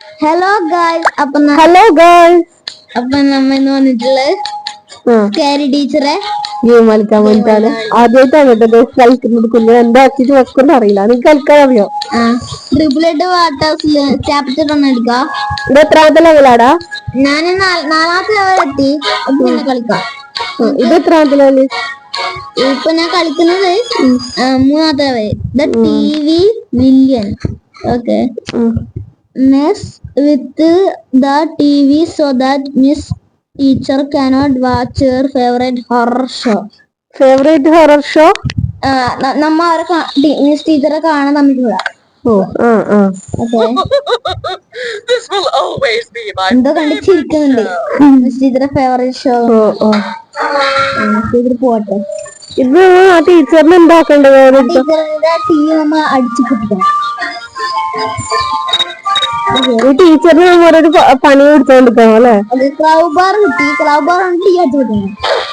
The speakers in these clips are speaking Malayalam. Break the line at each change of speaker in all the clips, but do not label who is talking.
Hello guys.
Hello guys.
അപ്പൊ നമ്മ ഇന്ന് വന്നിട്ടുള്ളത് സ്കാരി ടീച്ചറെ
ഗെയിം കളിക്കാൻ വേണ്ടിട്ടാണ്. ആദ്യമായിട്ടാണ് കേട്ടോ കളിക്കുന്നത്. കുഞ്ഞ് എന്താക്കിട്ട് വെക്കുന്ന അറിയില്ല. നിനക്ക് കളിക്കാൻ അറിയോ?
ട്രിപ്പിളിട്ട് വാട്ടേഴ്സില് ചാപ്റ്റർ ഒന്ന് എടുക്കാം.
ഇത് എത്രാമത്തെ ലെവലാടാ?
ഞാൻ നാലാമത്തെ ലെവൽ എത്തി. അപ്പൊ പിന്നെ കളിക്കാം.
ഇത് എത്രാമത്തെ ലെവല്?
ഇപ്പൊ ഞാൻ കളിക്കുന്നത് മൂന്നാമത്തെ level. The TV villain. Okay. Mess with the TV so that Miss Teacher cannot watch her favorite horror show.
Favourite horror show?
നമ്മ അവരെ മിസ് ടീച്ചറെ കാണാൻ തമ്മിലുള്ള. എന്തോ കണ്ട് ചിരിക്കുന്നുണ്ട്. മിസ് ടീച്ചറെ ഫേവറേറ്റ് ഷോ. ടീച്ചർ പോട്ടെ.
ഇത് ആ ടീച്ചറിന് എന്താക്കണ്ടത്?
ടീച്ചറിന്റെ TV നമ്മ അടിച്ചു പൊട്ടിക്കണം.
ഈ ടീച്ചറിന് നമ്മളൊരു പണി കൊടുത്തോണ്ടിരിക്കണം അല്ലെ?
ക്ലൗ ബാർ കിട്ടി. ക്ലൗ ബാർ ആണ് ടീ അടിച്ചു പൊട്ടിക്കണം.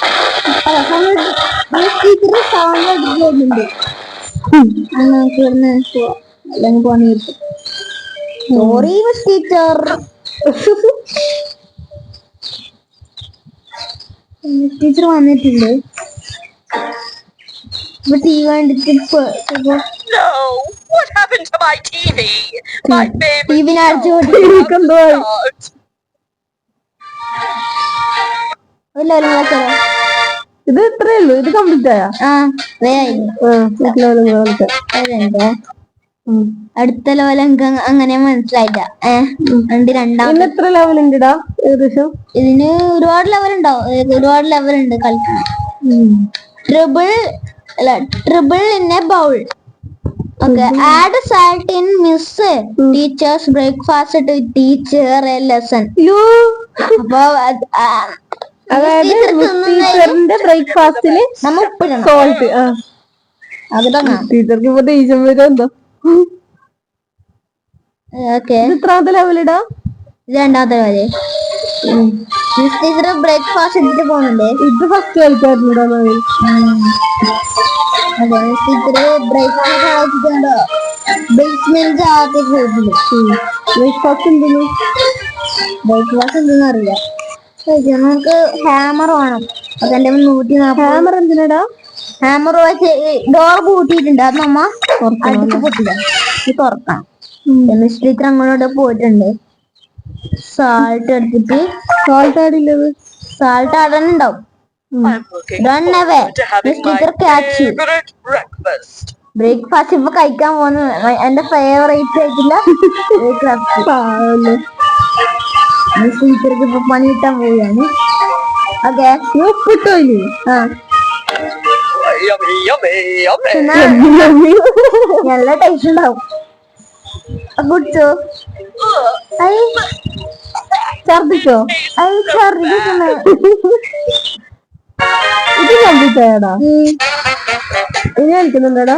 ടീച്ചർ സൗണ്ട് അടിച്ചു പോകുന്നുണ്ട്. നമുക്ക് ഇവിടുന്ന് അല്ലെങ്കിൽ പണി കിട്ടും. Sorry miss teacher. ടീച്ചർ വന്നിട്ടുണ്ട്. ഇപ്പൊ TV കണ്ടിട്ട്
What happened to my TV? My favorite
TV അടിച്ചു
show.
പൊട്ടിക്കുന്നു.
God.
ഇത് ഇത്രേ ഉള്ളൂ. ഇത് കംപ്ലീറ്റ് ആയാ?
അടുത്ത ലെവൽ അങ്ങനെ മനസ്സിലായില്ല. രണ്ടാമത്
എത്ര ലെവൽ ഉണ്ടടാ ഏകദേശം?
ഇതിന് ഒരുപാട് ലെവൽ ഉണ്ടാവും. ഒരുപാട് ലെവൽ ഉണ്ട് കളിക്കാൻ. Trouble in a bowl. Okay, add salt in Miss Teacher's breakfast to teach her a lesson. അപ്പൊ
അതായത് ടീച്ചറിന്റെ ബ്രേക്ക്ഫാസ്റ്റില് സോൾട്ട്. ടീച്ചർക്ക് ഇപ്പൊ ദേഷ്യം വരും എന്തോ. എത്രാമത്തെ ലെവലിടാ?
രണ്ടാമത്തെ ലെവല്. മിസ് ടീച്ചർ ബ്രേക്ക്ഫാസ്റ്റ് എടുത്തിട്ട് പോകുന്നുണ്ട്.
ഇത് ഫസ്റ്റ് കളിക്കാറുണ്ടോ?
അതെ, മിസ് ടീച്ചർ ബ്രേക്ക്ഫാസ്റ്റ് ആവശ്യമുണ്ടോ ബേസ്മെന്റ് ആദ്യം പോയിട്ടുണ്ട്.
ബ്രേക്ക്ഫാസ്റ്റ് എന്തെന്നു?
ബ്രേക്ക്ഫാസ്റ്റ് എന്തെന്ന് അറിയില്ല. നമുക്ക് ഹാമർ വേണം. അതെന്റെ 140.
ഹാമർ എന്തിനാടാ?
ഹാമർ വെച്ച് ഡോർ പൂട്ടിയിട്ടുണ്ട്. അത് നമ്മ അടുത്ത് പൊട്ടില്ല. ഇത് തുറക്കാം. മിസ് ടീച്ചർ അങ്ങോട്ട് പോയിട്ടുണ്ട്. സാൾട്ട് എടുത്തിട്ട്.
സോൾട്ട് ആടില്ലത്?
സാൾട്ട് ആടാനുണ്ടാവും. Run away. Miss Teacher catch you. Breakfast ഇപ്പൊ കഴിക്കാൻ പോകുന്നത് എന്റെ ഫേവറേറ്റ് ആയിട്ടില്ല ബ്രേക്ക്ഫാസ്റ്റ്. മിസ് ടീച്ചർക്ക് ഇപ്പൊ പണി കിട്ടാൻ പോവുകയാണ്. ഓക്കെ,
ഉപ്പിട്ടോ?
നല്ല ടേസ്റ്റ് ഉണ്ടാവും. കുടിച്ചോ?
ഛർദിച്ചോ?
ഛർദിക്കുന്നു.
ഇത് കംപ്ലീറ്റ് ആയടാ? ഇനി കളിക്കുന്നുണ്ടടാ?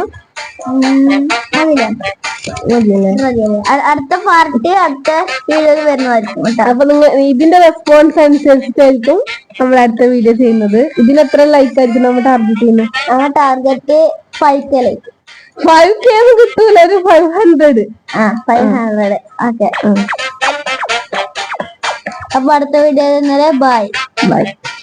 അടുത്ത പാർട്ടി അടുത്ത വീഡിയോയിൽ വരുന്നതായിരിക്കും.
അപ്പൊ നിങ്ങൾ ഇതിന്റെ റെസ്പോൺസ് അനുസരിച്ചിട്ടായിരിക്കും നമ്മൾ അടുത്ത വീഡിയോ ചെയ്യുന്നത്. ഇതിന് എത്ര ലൈക്ക് ആയിരിക്കും നമ്മൾ ടാർഗറ്റ് ചെയ്യുന്നത്?
Target 5K like.
5K ഒന്നും കിട്ടൂല, ഒരു 500.
500. ഓക്കെ, അപ്പൊ അടുത്ത വീഡിയോ ബൈ.